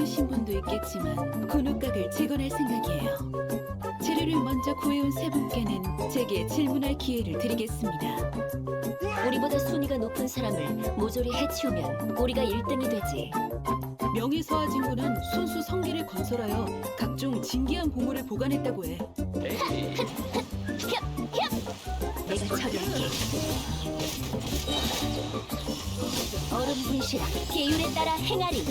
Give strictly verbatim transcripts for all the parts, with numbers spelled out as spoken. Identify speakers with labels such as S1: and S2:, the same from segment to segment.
S1: 모르신 분도 있겠지만 군옥각을 재건할 생각이에요. 재료를 먼저 구해온 세 분께는 제게 질문할 기회를 드리겠습니다.
S2: 우리보다 순위가 높은 사람을 모조리 해치우면 우리가 일 등이 되지.
S1: 명예서화진군은 손수 성기를 건설하여 각종 진귀한 보물을 보관했다고 해.
S2: 내가 처리할게. 얼음 분실아, 계율에 따라 행하리.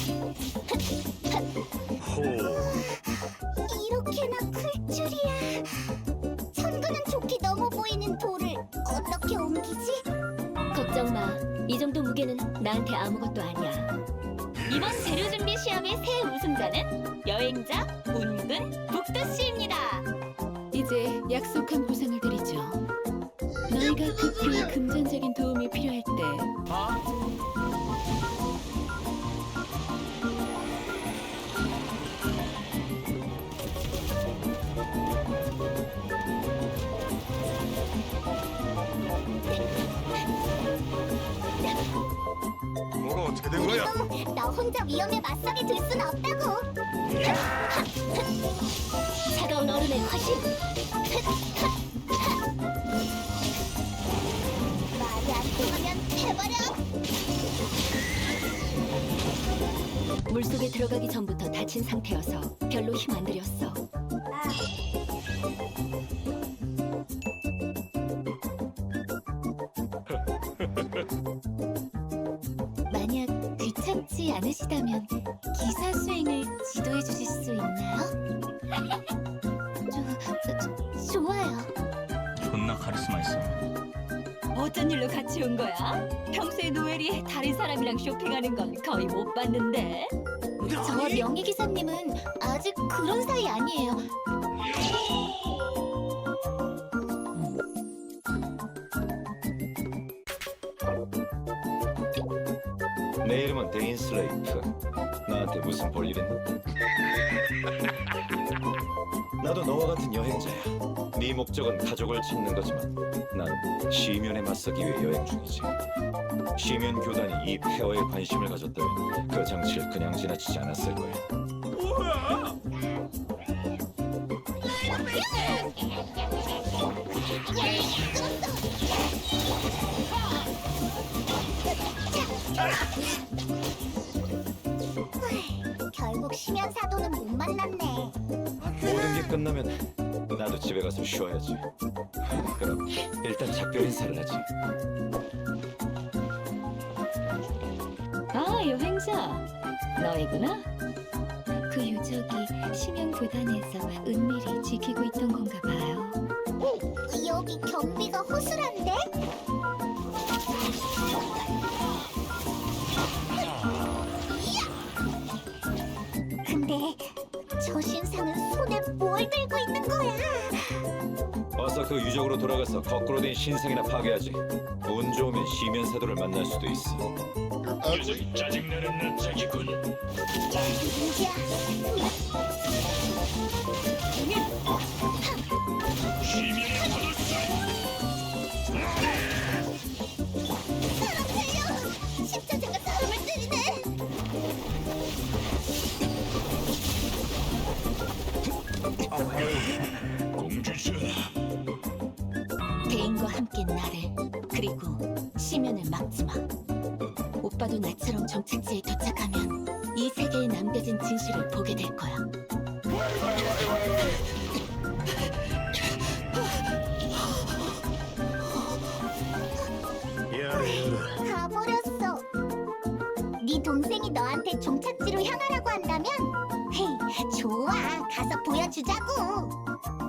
S3: 이렇게나 클 줄이야. 천근은 좋게 넘어 보이는 돌을 어떻게 옮기지?
S2: 걱정 마. 이 정도 무게는 나한테 아무것도 아니야. 이번 재료 준비 시험의 새 우승자는 여행자 운근 북두 씨입니다.
S1: 이제 약속한 보상을 드리죠. 너희가 급히 금전적인 도움이 필요할 때
S4: 뭐가 어떻게 된 거야?
S3: 우리도 나 혼자 위험에 맞서게 둘 순 없다고.
S2: 차가운 얼음의 화신.
S3: 말이 안 통하면 해버려.
S2: 물속에 들어가기 전부터 다친 상태여서 별로 힘 안 들였어.
S3: 만약 귀찮지 않으시다면 기사 수행을 지도해 주실 수 있나요? 저, 저, 좋아요.
S5: 존나 카리스마 있어.
S2: 어쩐 일로 같이 온 거야? 평소에 노엘이 다른 사람이랑 쇼핑하는 건 거의 못 봤는데.
S3: 저 명예 기사님은 아직 그런 사이 아니에요.
S6: 내 이름은 데인 슬레이프. 나한테 무슨 볼일 있나? 나도 너와 같은 여행자야. 네 목적은 가족을 찾는 거지만 난 시면에 맞서기 위해 여행 중이지. 시면 교단이 이 폐허에 관심을 가졌다면 그 장치를 그냥 지나치지 않았을 거야.
S3: 결국 심연 사도는 못 만났네.
S6: 모든 게 끝나면 나도 집에 가서 쉬어야지. 그럼 일단 작별 인사를 하지.
S2: 아, 여행자. 너희구나?
S3: 그 유적이 심연 교단에서 은밀히 지키고 있던 건가 봐요. 여기 경비가 허술한데? 근데 저 신상은 손에 뭘 들고 있는 거야?
S6: 어서 그 유적으로 돌아가서 거꾸로 된 신상이나 파괴하지. 운 좋으면 시면 사도를 만날 수도 있어.
S5: 녀석이 짜증나는 낯짝이군.
S3: 이야,
S5: 시면이 터졌어.
S3: 사람 살려! 십자자가 사람을 때리네!
S5: 공주전하.
S2: 대인과 함께 나를, 그리고 시면을 막지 마. 오빠도 나처럼 정착지에 도착하면 이 세계에 남겨진 진실을 보게 될 거야.
S3: 가버렸어. 네 동생이 너한테 종착지로 향하라고 한다면, 헤이, 좋아, 가서 보여주자고.